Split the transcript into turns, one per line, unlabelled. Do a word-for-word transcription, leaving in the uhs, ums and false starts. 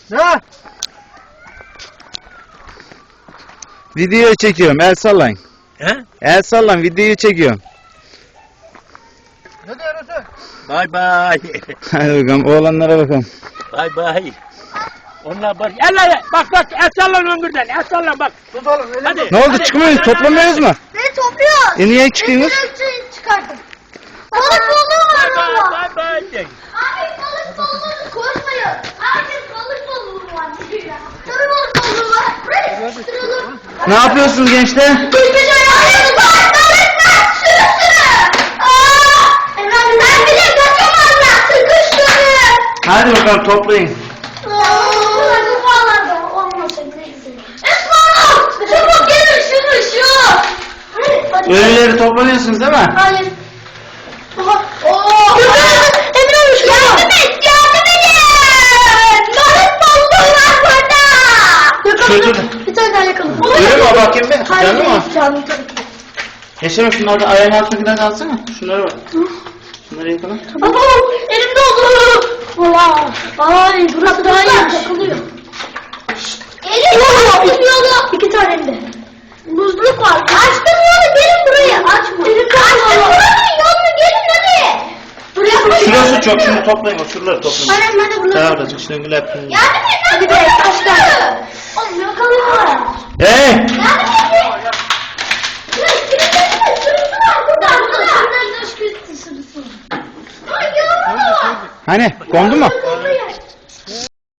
Ne?
Video çekiyorum. El sallayın.
He?
El sallan. Videoyu çekiyorum.
Ne diyorsun?
Bay bay.
Hadi bakalım. Oğlanlara bakalım.
Bay bay. Onlar bak. Elle bak bak el sallan öngürden. El sallan bak.
Tut oğlum. Öyle
Hadi.
Ne oldu?
hadi.
Çıkmıyoruz. Toplamıyoruz mu?
Beni topluyor.
E niye çıkıyorsunuz?
Direkt çıkardım. Balık balığı var
Bay
valla.
bay bay. de.
Abi balık balığı koşmayın. Abi balık balığı var. Sarı balık balığı var. Buraya sıkıştıralım.
Ne yapıyorsunuz gençler?
Kuşmuş ayağını bağırtlarından sürü sürü. Aaa. Efendim ben bile kaçamazlar. Sıkıştırın.
Hadi bakalım toplayın.
Aaa. Bu bağlarda olmasın neyse. Esma! Çabuk gelin şunu şu. Hadi.
Ölüleri toplanıyorsunuz değil mi?
Hayır. Aha. Oo. Emre olmuş. Yardım et, yardım edin. Balık balığı var burada.
Şurada.
Bir tane daha yakalım.
Öyle mi? Bakayım bir.
Hayır,
Canım mı?
değil, canım tabii ki.
Yaşarım şunları da ayağın altındakiler de alsana. Şunları var. Şunları yakala.
Baba elimde oldu. Valla. Ay burası daha iyi. Takılıyor. Elim yolu. yolu. İki tane elimde. Buzluk var. Açtım yolu gelin buraya. Açma. Açtım buranın yolunu gelin hadi. Buraya
Şurası çok. Şunu toplayın. O şuraları toplayın.
Annem ben de bunu.
Daha orada çıkışta öngüle yapın.
Yardım et. Hadi be taşlar. Oğlum yakalıyorlar.
Hey!
Yardım et. Sürüsü var burada. Burada. Sürüsü var. Ay yavrum.
Hani? Kondu mu?